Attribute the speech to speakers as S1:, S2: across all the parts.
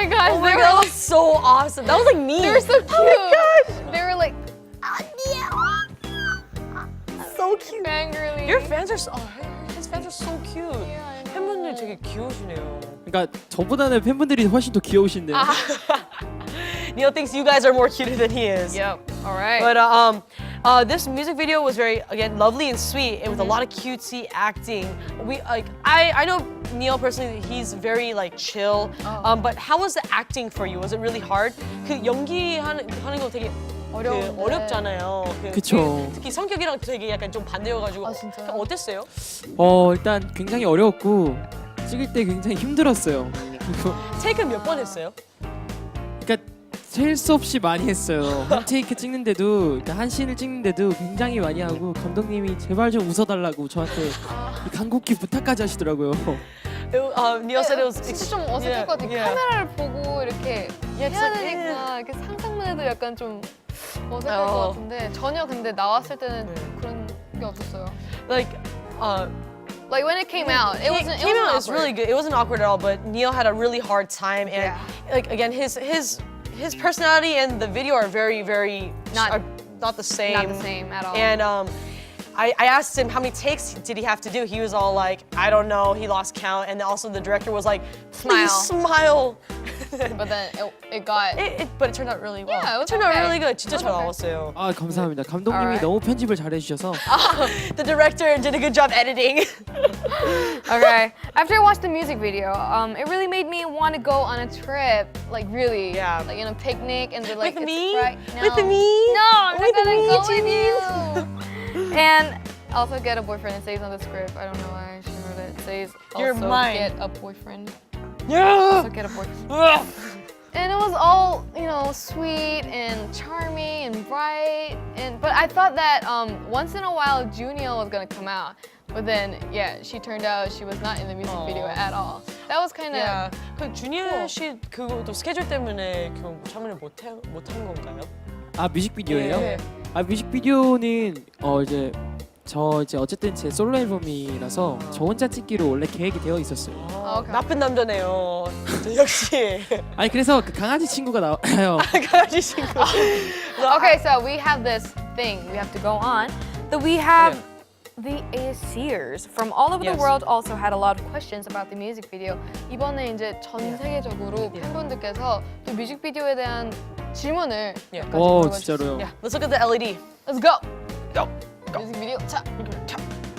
S1: my gosh,
S2: Oh my god, that was so awesome. That was like me.
S1: they were so cute.
S2: Oh my gosh.
S1: They were like
S2: So cute.
S1: fangirling.
S2: Your fans are so, his fans are so cute.
S1: Yeah, I know.
S2: 팬분들 되게 귀여우시네요.
S3: 그러니까 저보다는 팬분들이 훨씬 더 귀여우신데요.
S2: Neil thinks you guys are more cuter than he is.
S1: Yep. All right.
S2: But this music video was very, again, lovely and sweet, and with a lot of cutesy acting. I know Neil personally, he's very like chill. But how was the acting for you? Was it really hard? 그 연기하는 거 되게
S1: 어려운데.
S2: 어렵잖아요.
S3: 그쵸.
S2: 특히 성격이랑 되게 약간 좀 반대여가지고.
S1: 아, 진짜요?
S2: 어땠어요?
S3: 일단 굉장히 어려웠고 찍을 때 굉장히 힘들었어요. 그리고
S2: 테이크는 몇 번 했어요?
S3: 그러니까 셀 수 없이 많이 했어요. 한 테이크 찍는데도 그러니까 한 씬을 찍는데도 굉장히 많이 하고 감독님이 제발 좀 웃어달라고 저한테 이 간곡히 부탁까지 하시더라고요.
S2: Neil said it was
S1: 진짜 좀 어색할 것 같아요. 카메라를 보고 이렇게 해야 되니까 이렇게 상상만 해도 약간 좀 어색할 것 같은데 전혀 근데 나왔을 때는 그런 게 없었어요. Like when it came out, it wasn't
S2: it was
S1: awkward.
S2: really good. It wasn't awkward at all, but Neil had a really hard time, and like again, his personality and the video are very not the same.
S1: Not the same at all.
S2: And I asked him how many takes did he have to do. He was all like, I don't know. He lost count, and also the director was like, please smile.
S1: But then it got.
S2: But it turned out really well.
S1: Yeah, it was
S2: turned out
S1: okay.
S2: really good. 진짜
S1: It
S2: 잘
S1: was
S2: 나왔어요.
S3: 아 감사합니다. 감독님이
S1: Alright.
S3: 너무 편집을 잘해주셔서
S2: The director did a good job editing.
S1: Okay. After I watched the music video, it really made me want to go on a trip. Like really.
S2: Yeah.
S1: Like in a picnic and they're like
S2: With
S1: it's
S2: me?
S1: Right. No.
S2: With me?
S1: No, I'm
S2: With
S1: not gonna
S2: me,
S1: go with
S2: Jean?
S1: you. And also get a boyfriend. It says on the script. I don't know why she wrote it. It says
S2: You're
S1: also
S2: mine.
S1: get a boyfriend.
S2: Yeah.
S1: Also get a boyfriend. And it was all, you know, sweet and charming and bright. But I thought that once in a while Junio was gonna come out. But then, yeah, she turned out she was not in the music video at all. That was kind of.
S2: Yeah. 그 주니어 씨 그것도 스케줄 때문에 그 참여를 못한 건가요?
S3: 아 뮤직비디오예요?
S2: 네.
S3: 아 뮤직비디오는 이제 어쨌든 제 솔로 앨범이라서 저 혼자 찍기로 원래 계획이 되어 있었어요.
S1: 오케이.
S2: 나쁜 남자네요. 역시
S3: 아니 그래서 그 강아지 친구가 나와요.
S2: 강아지 친구.
S1: Okay, so we have this thing we have to go on. That we have the ASCers from all over the
S2: Yes.
S1: world also had a lot of questions about the music video. 이번에 이제 전 세계적으로 팬분들께서 또 뮤직비디오에 대한 질문을 몇 가지
S3: 오
S1: 물어봐
S3: 진짜로요.
S2: Yeah, let's look at the LED.
S1: Let's go.
S2: Go.
S1: 뮤직 비디오. 자.
S2: 자.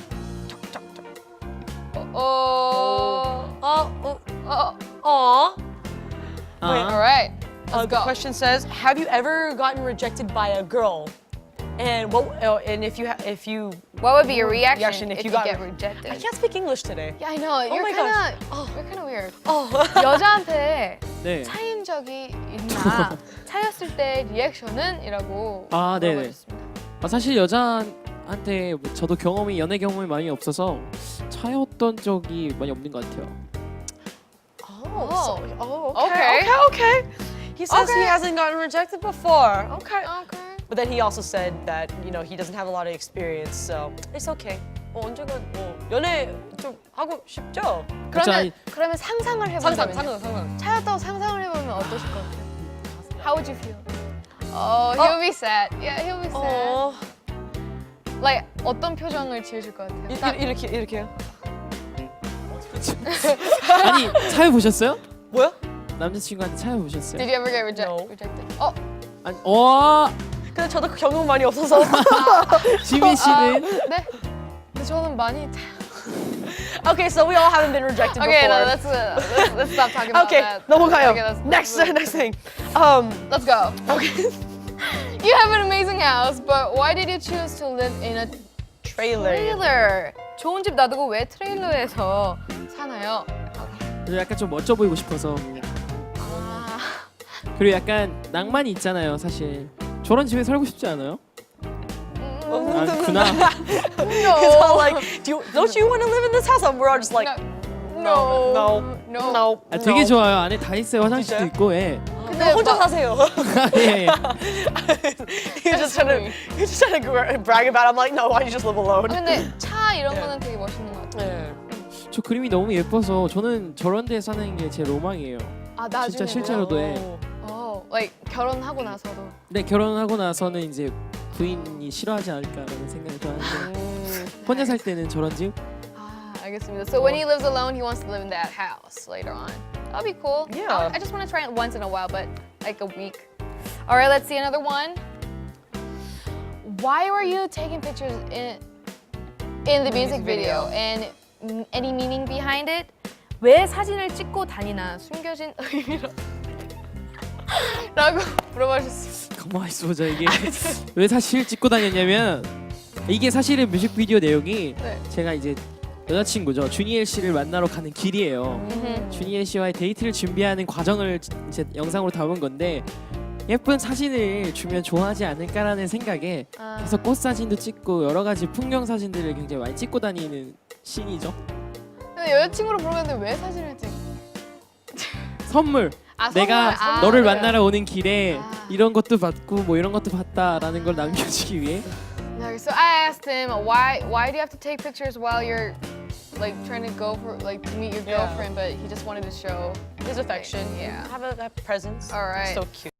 S1: All right. Let's
S2: The
S1: go.
S2: question says, have you ever gotten rejected by a girl? And if you
S1: What would be your reaction if you
S2: got
S1: get rejected?
S2: I can't speak English today.
S1: Yeah, I know. You're
S2: my
S1: kind
S2: gosh.
S1: of you're kind of weird.
S2: Oh.
S1: 여자한테
S3: 네.
S1: 차인 적이 있나? 차였을 때 리액션은?이라고
S3: 아, 네네.
S1: 물어보셨습니다.
S3: 사실 여자한테 저도 연애 경험이 많이 없어서 차였던 적이 많이 없는 것 같아요.
S2: Okay. He says he
S1: Okay.
S2: hasn't gotten rejected before. Okay.
S1: Okay.
S2: But then he also said that he doesn't have a lot of experience, so it's okay. 언젠가 연애 좀 하고 싶죠?
S1: 그러면 상상을 해본다면요?
S2: 상상.
S1: 차였다고 상상을 해보면 어떠실 것 같아요? How would you feel? Oh, he'll be sad. Yeah, he'll be sad. Like 어떤 표정을 지으실 것 같아요?
S2: 이렇게요?
S3: 아니 차여 보셨어요?
S2: 뭐야?
S3: 남자친구한테 차여 보셨어요?
S1: Did you ever get
S2: No.
S1: rejected?
S3: 아니 와
S2: 근데 저도 경험 많이 없어서.
S3: 지민 씨는
S1: 네. 근데 저는 많이.
S2: Okay, so we all haven't been rejected
S1: Okay, no,
S2: before.
S1: let's stop talking about
S2: Okay,
S1: that.
S2: 넘어가요.
S1: Okay,
S2: Next thing.
S1: Let's go.
S2: Okay.
S1: You have an amazing house, but why did you choose to live in a trailer? 좋은 집 놔두고 왜 트레일러에서 사나요?
S3: 약간 좀 멋져 보이고 싶어서
S1: 아,
S3: 그리고 약간 낭만이 있잖아요 사실. 저런 집에 살고 싶지 않아요? 구나.
S2: It's all like, don't you want to live in this house? And we're all just like, no.
S3: 아, 되게 좋아요. 안에 다 있어요. 화장실도
S2: 진짜요?
S3: 있고 예.
S2: 근데 혼자 사세요.
S3: 예.
S2: You're just trying to brag about it. I'm like, no, why don't you just live alone?
S1: 근데 차 이런 거는 되게 멋있는 것 같아요.
S2: 네.
S3: 저 그림이 너무 예뻐서 저는 저런 데 사는 게 제 로망이에요.
S1: 아 나중에.
S3: 진짜 실제로도 해.
S1: like 결혼하고 나서도.
S3: 근데 결혼하고 나서는 이제 부인이 싫어하지 않을까라는 생각을 좀 하는데 혼자 살 때는 저런지
S1: 아, 알겠습니다. So when he lives alone, he wants to live in that house later on. That'll be cool.
S2: Yeah.
S1: I just want to try it once in a while, but like a week. All right, let's see another one. Why were you taking pictures in the music video? And any meaning behind it? 왜 사진을 찍고 다니나 숨겨진 의미로 라고 물어봐 주셨어요.
S3: 가만히 있어 보자. 이게 왜 사실 찍고 다녔냐면 이게 사실은 뮤직비디오 내용이
S1: 네.
S3: 제가 이제 여자친구죠 주니엘 씨를 만나러 가는 길이에요. 주니엘 씨와의 데이트를 준비하는 과정을 이제 영상으로 담은 건데 예쁜 사진을 주면 좋아하지 않을까라는 생각에
S1: 아.
S3: 계속 꽃 사진도 찍고 여러 가지 풍경 사진들을 굉장히 많이 찍고 다니는 씬이죠.
S1: 근데 여자친구로 부르는데 왜 사진을 찍?
S3: 선물.
S1: 아,
S3: 내가
S1: 선물. 아,
S3: 너를
S1: 그래요.
S3: 만나러 오는 길에
S1: 아.
S3: 이런 것도 받고 뭐 이런 것도 봤다라는 걸 남겨주기 위해.
S1: No, so I asked him why do you have to take pictures while you're like trying to go for like to meet your
S2: Yeah.
S1: girlfriend, but he just wanted to show
S2: His affection.
S1: Yeah.
S2: Have a presence.
S1: All right.
S2: So cute.